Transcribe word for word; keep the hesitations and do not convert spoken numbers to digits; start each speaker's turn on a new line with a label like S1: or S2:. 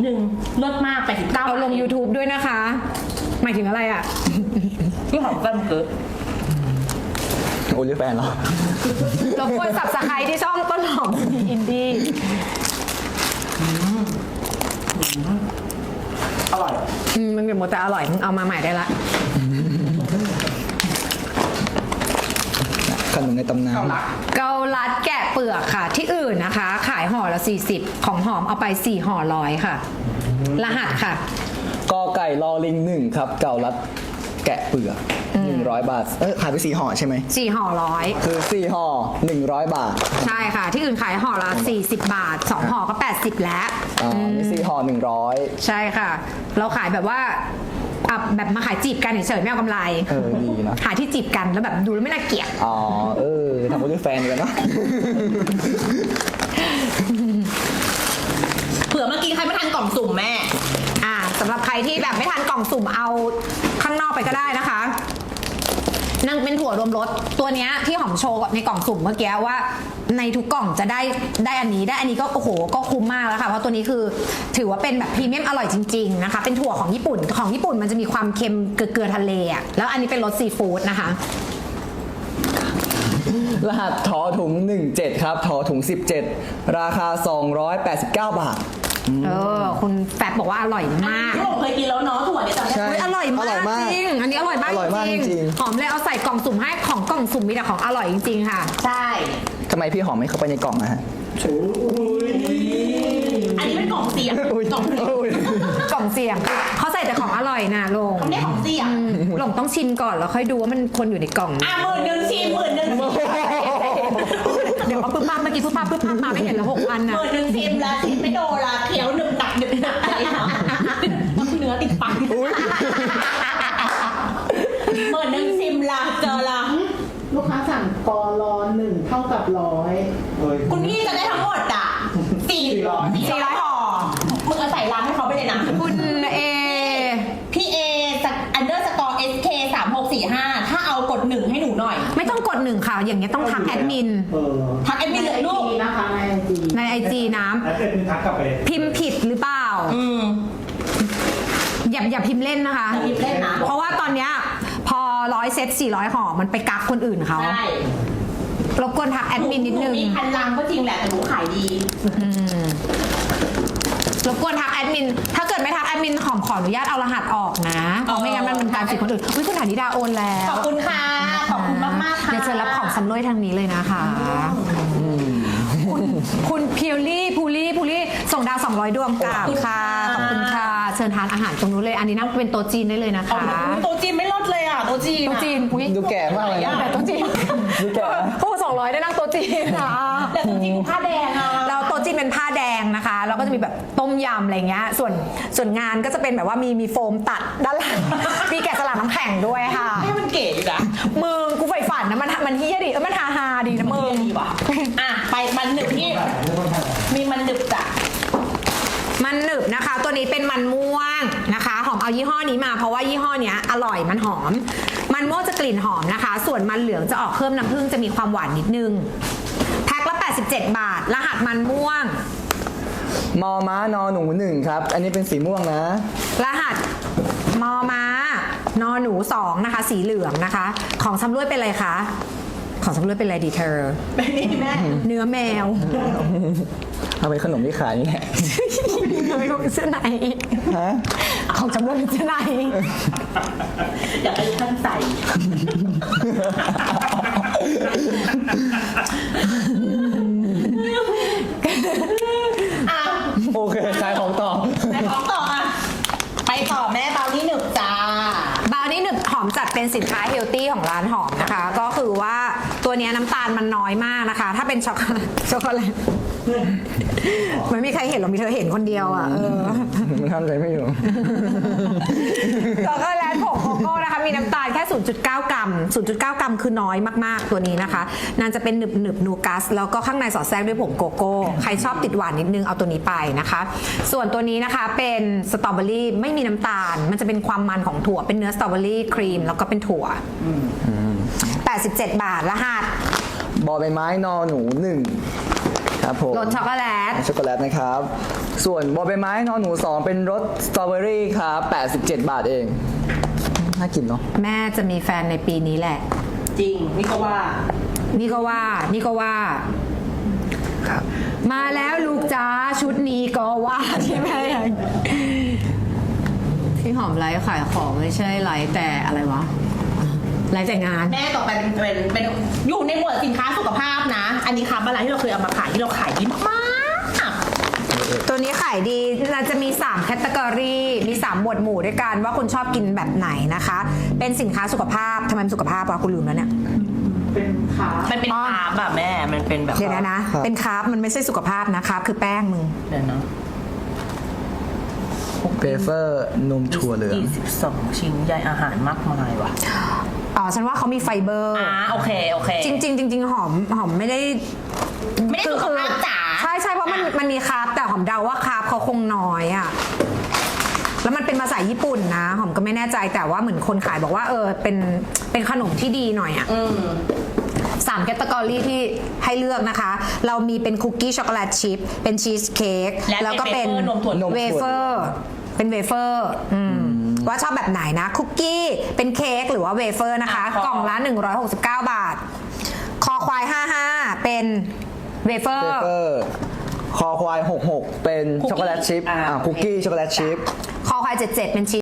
S1: นึงลดมากแปดสิบเก้า
S2: เอาลง YouTube ด้วยนะคะหมายถึงอะไรอ่ะ
S1: พี่หอมแก้มเกิด
S3: โอลิแฟนเหรอ
S2: รบกวนสับสไครที่ช่องต้นหอมอินดี้
S1: อร่อย
S2: อืมมันเป็นโมแต่อร่อยมึงเอามาใหม่ได้ละ
S3: ขนมในตำนาน
S2: เกาลัดแกะเปลือกค่ะที่อื่นนะคะขายห่อละสี่สิบของหอมเอาไปสี่ห่อร้อยค่ะรหัสค่ะ
S3: กอไก่ลอลิงหนึ่งครับเกาลัดแกะเปลือกหนึ่งร้อยบาทเออขายไปสี่ห่อใช่ไหม
S2: สี่ห่อร้อย
S3: คือสี่ห่อหนึ่งร้อยบาท
S2: ใช่ค่ะที่อื่นขายห่อละสี่สิบบาทสองห่อก็แปดสิบแล้ว
S3: อ่ามีสี่ห่อหนึ่งร้อย
S2: ใช่ค่ะเราขายแบบว่าอ่ะแบบมาขายจีบกันเฉยๆไม่เอากำไร
S3: เออดีนะ
S2: ขายที่จีบกันแล้วแบบดูแล้วไม่น่าเกลียด
S3: อ๋อเออทำโอลิแฟนกันเนาะ
S1: เผื่อเมื่อกี้ใครไม่ทันกล่องสุ่มแม่
S2: อ่าสำหรับใครที่แบบไม่ทันกล่องสุ่มเอาข้างนอกไปก็ได้นะคะนั่งเป็นถั่วรวมรสตัวเนี้ยที่หอมโชว์ในกล่องสุ่มเมื่อกี้ว่าในทุกกล่องจะได้ได้อันนี้ได้อันนี้ก็โอ้โหก็คุ้มมากแล้วค่ะเพราะตัวนี้คือถือว่าเป็นแบบพรีเมียมอร่อยจริงๆนะคะเป็นถั่วของญี่ปุ่นของญี่ปุ่นมันจะมีความเค็มเกลือทะเลอ่ะแล้วอันนี้เป็นรสซีฟู้ดนะคะ
S3: รหัสทอถุงหนึ่งเจ็ดครับทอถุงสิบเจ็ดราคาสองร้อยแปดสิบเก้าบาท
S2: เออคุณแฟบบอกว่าอร่อยมาก
S1: ผมเคยกินแล้วเนาะถั่วเนี่ยจำได้
S2: อร่อยมากจริงอันนี้อร่อยมากจริงหอมเลยเอาใส่กล่องสุ่มให้ของกล่องสุ่มมีแต่ของอร่อยจริงๆค่ะ
S1: ใช่
S3: ทำไมพี่หอมไม่เข้าไปในกล่องอะฮะ
S1: อันนี้เป็นกล่องเสียงกล่อง
S2: กล่องเสียงเขาใส่แต่ของอร่อยนะลง
S1: เขาไม่ของเสียง
S2: ลงต้องชิมก่อนแล้วค่อยดูว่ามันคนอยู่ในกล่อง
S1: อ่ะหมื่นหนึ่งชิมหมื่นหนึ่ง
S2: เดี๋ยวเอาปึ๊บปั๊บเมื่อกี้ปึ๊บปั๊บปึ๊บปั๊บมาไม่เห็นแล้วหกพันนะ
S1: หมื่นหนึ่งชิมละชิมไม่โดนละเคี้ยวหนึบหนักหนึบหนักอะไรค่ะต้องเนื้อติดปากหมื่นหนึ่งชิมละเจอละ
S4: ลูกค้าสั่งกอรอหนึ่งเท่ากับร้อย
S1: คุณพี่จะได้ทั้งหมดอ่ะสี่ร้อยสี่ร้อยห่อมึงเอาใส่ร้านให้เขาไปเลยนะ
S2: คุณเอ
S1: พี่เออันเดอร์สกอร์เอสเคสามหกสี่ห้าถ้าเอากดหนึ่งให้หนูหน่อย
S2: ไม่ต้องกดหนึ่งค่ะอย่างเงี้ยต้องทักแอดมิน
S1: ทักแอดมินเลยลูก
S4: นะคะในไอจี
S2: ในไอจีน้
S5: ำทักกลับไป
S2: พิมพ์ผิดหรือเปล่าอย่าอย่าพิมพ์เล่นนะคะเพราะว่าตอนเนี้ยพอร้อยเซตสี่ร้อยห่อมันไปกักคนอื่นเขา
S1: ใช่
S2: รบกวนทักแอดมินนิดนึง
S1: มีพันลังก็จริงแหละแต่หนูขายดี
S2: รบกวนทักแอดมินถ้าเกิดไม่ทักแอดมินหอมขออนุญาตเอารหัสออกนะเพราะไม่งั้นมันเป็นการสิทธิ์คนอื่นอุ้ยคุณฐานิดาโอนแล้ว
S1: ขอบคุณค่ะขอบคุณมากมากค่ะ
S2: เดี๋ยวเชิญรับของสำรวยทางนี้เลยนะคะคุณคุณพิวลี่พูลี่พูลี่ส่งดาวสองร้อยดวงกราบค่ะขอบคุณค่ะเชิญทานอาหารตรงนู้นเลยอันนี้นั่งเป็นโต๊ะจีนได้เลยนะคะ
S1: โต๊ะจีนไม่ลดเลยอ่ะโต๊ะจีน
S2: โต๊ะจีนอุ้ย
S3: ดูแก่มากเลย
S2: แต่โต๊ะจีน
S3: ดูแก่
S2: โอ้สองร้อยได้นั่งโต๊ะจีนค่ะ
S1: แต่โต๊ะจีนผ้าแดงอ่ะ
S2: เราโต๊ะจีนเป็นผ้าแดงนะคะแล้วก็จะมีแบบต้มยำอะไรเงี้ยส่วนส่วนงานก็จะเป็นแบบว่ามีมีโฟมตัดด้านหลังมีแกะสลักน้ำแข็งด้วยค่ะ
S1: ให้มันเก๋อยู่นะ
S2: มึงกูใฝ่ฝันนะมันมันเฮี้ยดีเออมันฮาฮาดีนะมึง
S1: ดีว่ะอ่ะไปมันหนึบที่มีมันหนึบจ้ะ
S2: มันหนึบนะคะตัวนี้เป็นมันม่วงนะคะหอมเอายี่ห้อนี้มาเพราะว่ายี่ห้อเนี้ยอร่อยมันหอมมันม่วงจะกลิ่นหอมนะคะส่วนมันเหลืองจะออกเพิ่มน้ำผึ้งจะมีความหวานนิดนึงแพ็คละแปดสิบเจ็ดบาทรหัสมันม่วง
S3: มอม้านอหนูหนึ่งครับอันนี้เป็นสีม่วงนะ
S2: รหัสมอม้านอหนูสองนะคะสีเหลืองนะคะของชำร่วยเป็นอะไรคะของชำร่วยเป็นอะไรดีเธอ
S1: เป็นนี่แม่
S2: เนื้อแมว
S3: เอาไปขนมที่ขายนี่แหละ
S2: เนื้อของเสื้อใน
S3: ฮะ
S2: ของชำร่วยเป็นเสื้อใน
S1: อยากให้ท่านใส่
S3: โอเคขายของต่อ
S1: ขายของต่ออ่ะไปต่อแม่เบานี่หนึบจ้า
S2: เบานี่หนึบหอมจัดเป็นสินค้าเฮลตี้ของร้านหอมนะคะก็คือว่าตัวนี้น้ำตาลมันน้อยมากนะคะถ้าเป็นช็อกโกแลตช็อกโกแลตไม่มีใครเห็นหรอกมีเธอเห็นคนเดียวอ่ะเออ
S3: มันทำใจไม่อยู่
S2: ช็อกโกแลตผงโกโก้นะคะมีน้ำตาลแค่ ศูนย์จุดเก้า กรัม ศูนย์จุดเก้า กรัมคือน้อยมากๆตัวนี้นะคะนั่นจะเป็นหนึบหนึบนูกัสแล้วก็ข้างในสอดแทรกด้วยผงโกโก้ใครชอบติดหวานนิดนึงเอาตัวนี้ไปนะคะส่วนตัวนี้นะคะเป็นสตรอเบอรี่ไม่มีน้ำตาลมันจะเป็นความมันของถั่วเป็นเนื้อสตรอเบอรี่ครีมแล้วก็เป็นถั่วแปดสิบเจ็ดบาทรหัส
S3: บอใบไม้นอหนูหนึ่งครับผม
S2: รสช็อกโกแลต
S3: ช็อกโกแลตนะครับ ส่วนบอใบไม้นอนหนูสองเป็นรสสตรอเบอรี่ครับแปดสิบเจ็ดบาทเองน่ากินเนาะ
S2: แม่จะมีแฟนในปีนี้แหละ
S1: จริง นี่ก็ว่า
S2: นี่ก็ว่า นี่ก็ว่า
S3: ครับ
S2: มาแล้วลูกจ้าชุดนี้ก็ว่าใช่ไหมพี่หอมไลฟ์ขายของไม่ใช่ไลฟ์แต่อะไรวะไลฟ์แต่งาน
S1: แม่ต่อไปเป็นเป็นเป็นอยู่ในหมวดสินค้าสุขภาพนะ อันนี้ครับอะไรที่เราเคยเอามาขายที่เราขายดีมาก
S2: ตัวนี้ขายดีเราจะมี3แคตตากรีมี3หมวดหมู่ด้วยกันว่าคุณชอบกินแบบไหนนะคะ เป็นสินค้าสุขภาพทำไมสุขภาพวะคุณลืมแล้วเนี่ย
S4: เป็นขา
S1: มันเป็นคาร์บอะแม่ มันเป็นแบบ
S2: เดี๋ยวนะนะ เป็นคาร์บมันไม่ใช่สุขภาพนะคาร์บคือแป้งมึง
S1: เดี๋ยวนะ
S3: เบเฟอร์นมถั่วเหลือง
S1: ยี่สิบสองชิ้นใยอาหารมากมายว่ะ
S2: อ๋อฉันว่าเขามีไฟเบอร์
S1: อ่าโอเคโอเค
S2: จริงๆจริงๆหอมหอมไม่ได้
S1: ไม่ได้สุขภาพจ๋า
S2: ใช่ใช่เพราะมัน
S1: อ่ะ
S2: มันมีคาร์บแต่หอมเดาว่าคาร์บเขาคงน้อยอะแล้วมันเป็นภาษาญี่ปุ่นนะหอมก็ไม่แน่ใจแต่ว่าเหมือนคนขายบอกว่าเออเป็นเป็นขนมที่ดีหน่อยอะ
S1: อืม
S2: สามแคตตากรีที่ให้เลือกนะคะ เรามีเป็นคุกกี้ช็อกโกแลตชิพเป็นชีสเค้ก
S1: และ
S2: แล้วก็เป็น
S1: เป็นเวเฟอร์นมถั่ว
S3: นม
S2: เวเฟอร์เป็นเวเฟอร์อืมว่าชอบแบบไหนนะคุกกี้เป็นเค้กหรือว่าเวเฟอร์นะคะ
S1: อ่ะ
S2: กล่องละหนึ่งร้อยหกสิบเก้าบาท คอควายห้าสิบห้าเป็นเวเฟอ
S3: เบ
S2: ร์
S3: เฟอร์คอควายหกสิบหกเป็นช็อกโกแลตชิพ
S1: อ่า
S3: อ่าคุกกี้ช็อกโกแลตชิพ
S2: คอควายเจ็ดสิบเจ็ดเป็นชี